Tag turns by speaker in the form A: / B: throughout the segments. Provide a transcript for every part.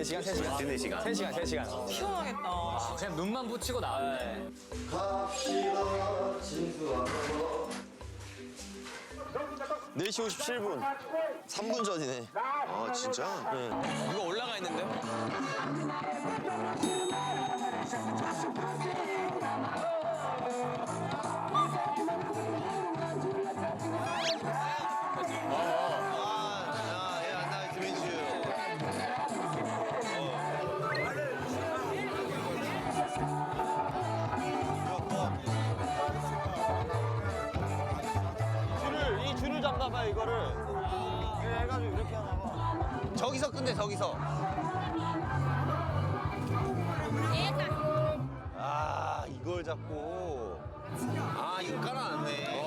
A: 3시간, 3시간.
B: 4시간.
A: 3시간, 3시간.
C: 시원하겠다.
A: 아, 그냥 눈만 붙이고 나왔네.
D: 갑시다 진수하러
B: 4시 57분. 3분 전이네.
D: 아 진짜?
B: 네.
A: 이거 올라가 있는데?
B: 이 줄을 잡나봐 이거를. 이렇게 해가지고 이렇게 하나봐. 저기서 끝내 저기서. 아 이걸 잡고. 아 이거 깔아놨네.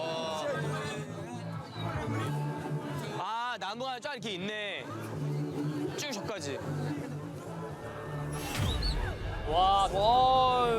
A: 아, 나무가 쫙 이렇게 있네. 쭉 저까지. 와, 와.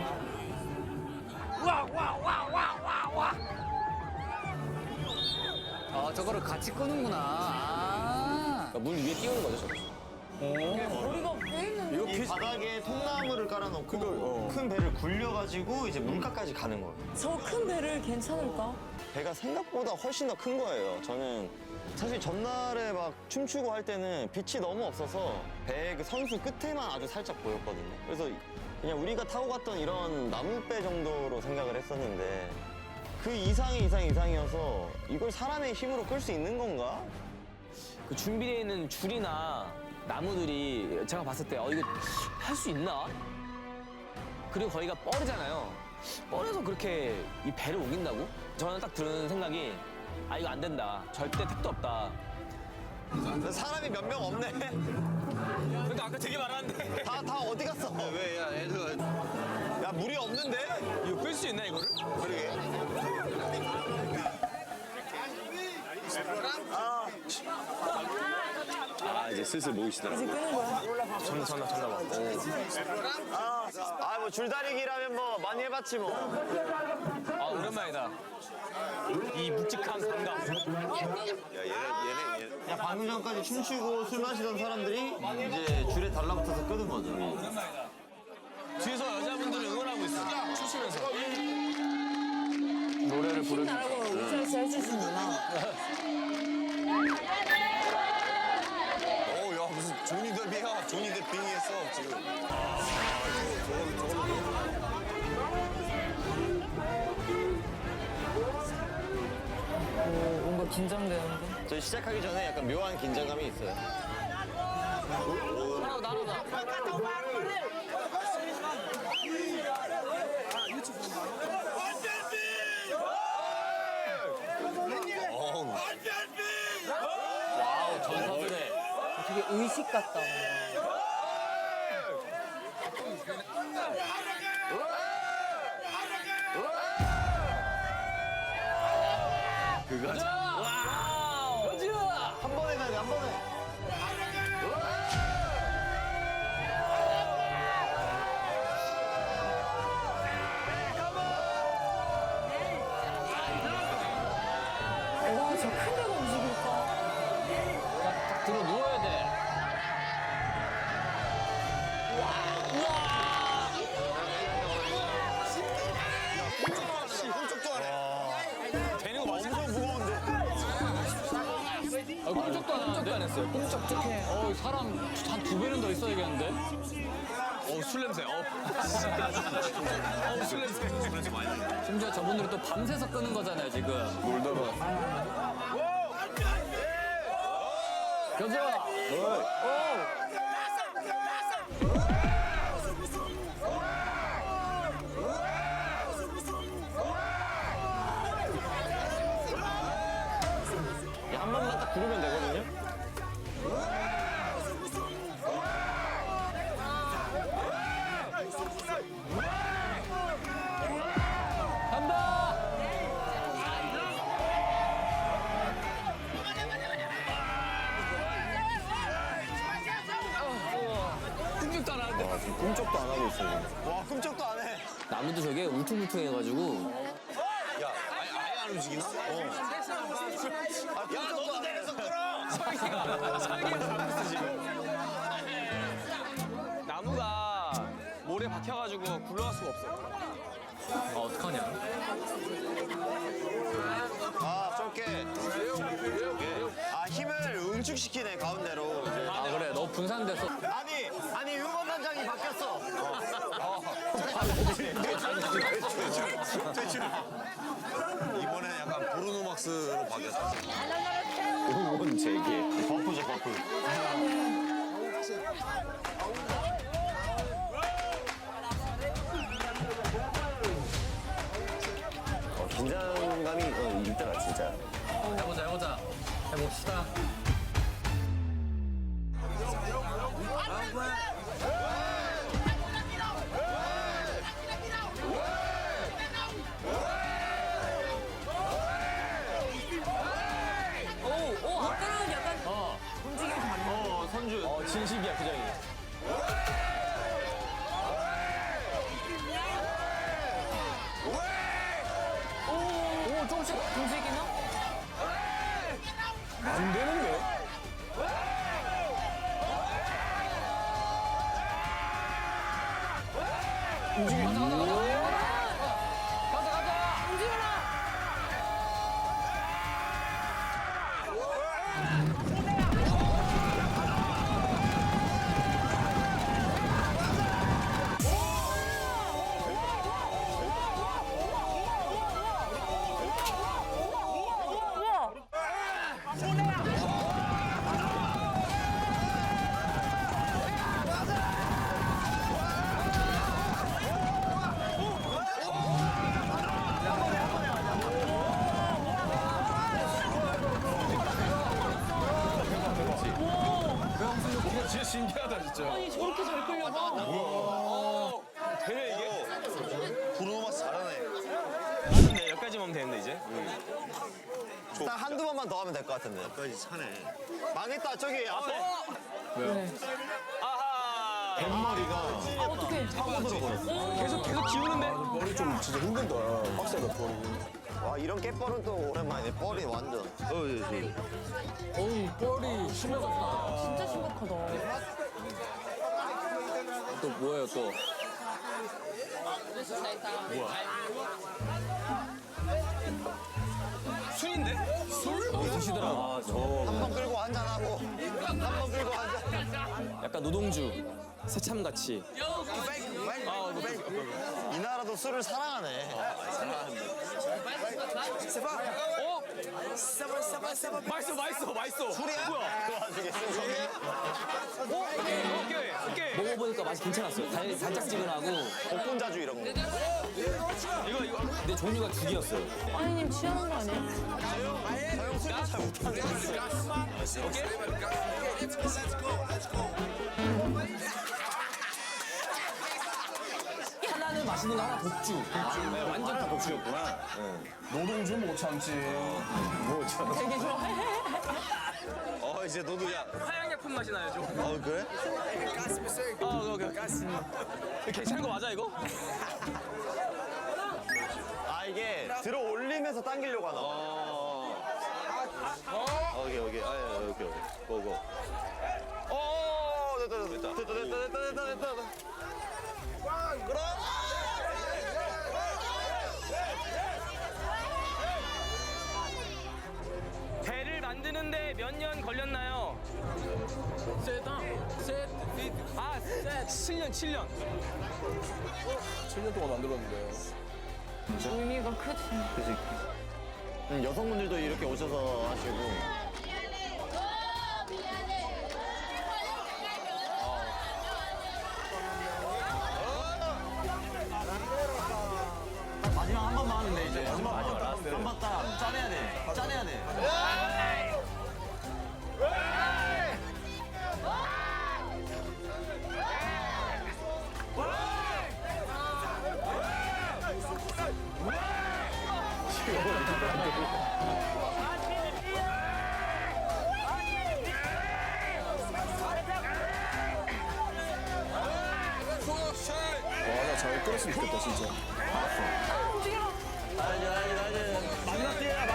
E: 아, 저거를 같이 끄는구나. 아.
A: 그러니까 물 위에 띄우는 거죠, 저거.
C: 머리가 왜 있는데?
B: 이 바닥에 통나무를 깔아놓고 큰 배를 굴려가지고 이제 물가까지 가는 거예요.
C: 저 큰 배를 괜찮을까?
B: 배가 생각보다 훨씬 더 큰 거예요. 저는 사실 전날에 막 춤추고 할 때는 빛이 너무 없어서 배 그 선수 끝에만 아주 살짝 보였거든요. 그래서 그냥 우리가 타고 갔던 이런 나무배 정도로 생각을 했었는데 그 이상이어서 이걸 사람의 힘으로 끌 수 있는 건가?
A: 그 준비되어 있는 줄이나 나무들이 제가 봤을 때 이거 할 수 있나? 그리고 거기가 뻘이잖아요. 뻘에서 그렇게 이 배를 옮긴다고? 저는 딱 드는 생각이 아 이거 안 된다. 절대 택도 없다.
B: 사람이 몇 명 없네.
A: 그러니까 아까 되게 많았는데
B: 다 어디 갔어? 왜, 야, 애들. 야, 물이 없는데?
A: 이거 끌 수 있나 이거를?
B: 그러게. 아, 이제 슬슬 모이시더라고.
C: 이제 끄는 거야.
A: 전나 봐.
B: 뭐 줄다리기라면 뭐 많이 해봤지 뭐.
A: 아 오랜만이다. 이 묵직한 감각.
B: 야, 방금 전까지 춤추고 술 마시던 사람들이 이제 줄에 달라붙어서 끄는 거죠.
A: 뒤에서 여자분들이 응원하고 있어. 추시면서.
E: 노래를 부르는.
C: 나라고 우차에서 해주시는구나.
B: 야, 무슨 조니 데뷔야. 조니 데뷔 했어, 지금.
C: 뭔가 긴장되는데.
B: 저 시작하기 전에 약간 묘한 긴장감이 있어요.
A: 와우 전사부네.
C: 되게 의식 같다.
B: 한 번에 가야 돼, 한 번에.
C: 와, 저 큰 배가 움직일까?
E: 딱 들어 누워야 돼.
B: 꼼짝도 안 해.
A: 되는 거 맞아?
B: 엄청 무거운데.
E: 아, 꼼짝도 안 하는데? 안 했어요. 꼼짝해. 사람 한 2배는 더 있어야겠는데?
A: 술 냄새. 술 냄새.
E: 심지어 저분들이 또 밤새서 끄는 거잖아요, 지금. 놀다가. 가자!
B: 한 번만 딱 부르면 되거든요.
E: 간다!
A: 꿈쩍도 안 하는데.
B: 꿈쩍도 안 하고 있어요. 와, 꿈쩍도 안 해.
A: 나무도 저게 울퉁불퉁해가지고.
B: 야, 아예 안 움직이나? 야, 너도 내려서 끌어!
A: 설계가 잘못했어 지금. 나무가 모래 박혀가지고 굴러갈 수가 없어.
E: 어떡하냐?
B: 아, 좁게. 아, 힘을 응축시키네, 가운데로. 이제.
E: 아 그래 너 분산돼서
B: 아니, 응원단장이 바뀌었어.
D: 이번에 약간 브루노막스로 바뀌었어.
B: 응원 재개. 버프죠, 버프. 긴장감이 있더라, 진짜.
E: 해보자 해봅시다.
C: 오, 아까랑 약간 움직임이 다르네.
A: 선주. 진심이야, 표정이.
C: 오, 조금씩 움직이나?
A: 안 되는데?
C: 움직여라!
A: 진짜 신기하다, 진짜.
C: 아니, 저렇게 잘 끌려가?
A: 되네, 이게?
D: 브루노막스 잘하네.
A: 맞는데, 여기까지만 하면 되는데, 이제?
B: 딱 한두 번만 더 하면 될 것 같은데.
D: 여기까지 차네.
B: 망했다, 저기 앞에.
A: 아하!
B: 뱃머리가
C: 아, 어떡해.
A: 계속 기우는데?
F: 머리 좀 진짜 힘든다. 빡세다, 머리.
B: 와, 이런 깨뻘은 또 오랜만이네. 뻘이 완전.
E: 어우 뻘이 심해졌다.
C: 진짜 심각하다.
E: 또 뭐예요 또?
A: 술인데?
E: 드시더라.
B: 한 번 끌고 한잔하고, 한 번 끌고 한잔.
A: 약간 노동주, 새참같이.
B: 이 나라도 술을 사랑하네.
A: 어? 맛있어. 술이야? 뭐야?
B: 그 와중에 술
A: 오케이. 먹어보니까 맛이 괜찮았어요. 달짝지근하고.
B: 복분자주 이런 거.
A: 이거. 근데 종류가 두 개였어요.
C: 아니님 취하는 거 아니에요?
B: 저형 술을 잘 못하네.
A: 하나는 맛있는 거, 하나 독주. 네, 완전 다 독주였구나.
F: 노동주 못 참지.
C: 되게 좋아해.
B: 이제 너도 야.
A: 화양약품 맛이 나요, 좀.
B: 그래?
A: 오케이. 괜찮은 거 맞아, 이거?
B: 아, 이게 들어 올리면서 당기려고 하나 봐. 오케이. 오케이. 고고. 됐다. 그럼.
A: 배를 만드는데 몇 년 걸렸나요? 아, 7년.
F: 7년 동안 만들었는데.
C: 의미가 크지.
B: 여성분들도 이렇게 오셔서 하시고. 마지막 한 번만 하면 돼, 이제. 마지막 라스트. 한번 딱 짜내야 돼.
F: 와, 나 잘 끌었으면 좋겠다, 진짜.
B: 마지막 기회야.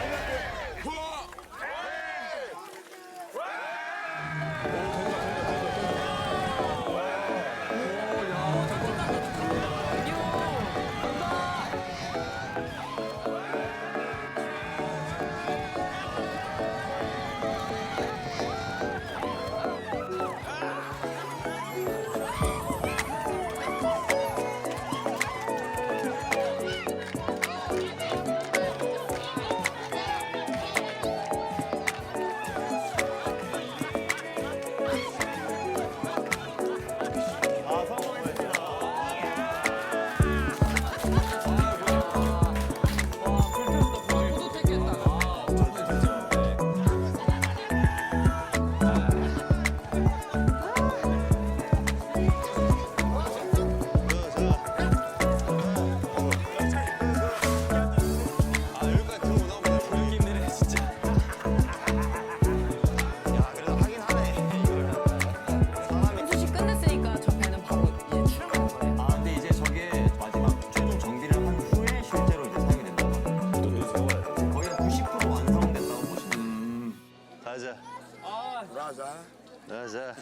B: 자.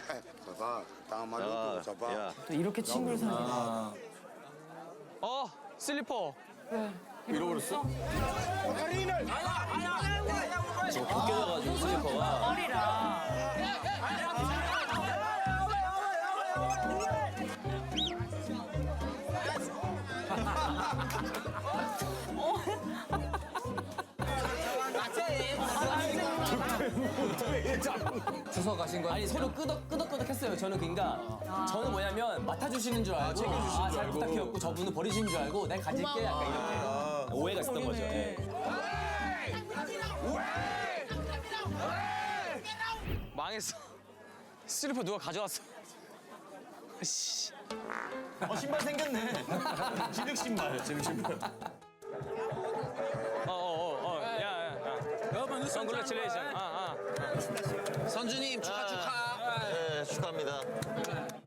B: 야.
C: 또 이렇게 친구를 사귀나.
A: 슬리퍼.
E: 잃어버렸어? 저거 벗겨져가지고 슬리퍼가.
C: 머리라.
E: 주워 가신 거
A: 아니 서로 끄덕끄덕했어요. 저는 그러니까 저는 뭐냐면 맡아주시는 줄 알고
E: 챙겨주시는 줄
A: 잘
E: 알고.
A: 부탁해갖고 저분은 버리시는 줄 알고 내가 가질게 약간 이렇게 오해가 있었던 거죠. 예. 망했어. 슬리퍼 누가 가져왔어. 씨.
B: 신발 생겼네. 진흙 신발.
A: 야.
E: 여러분
A: 컨그레츄레이션.
D: 선주님 축하.
B: 네, 축하합니다.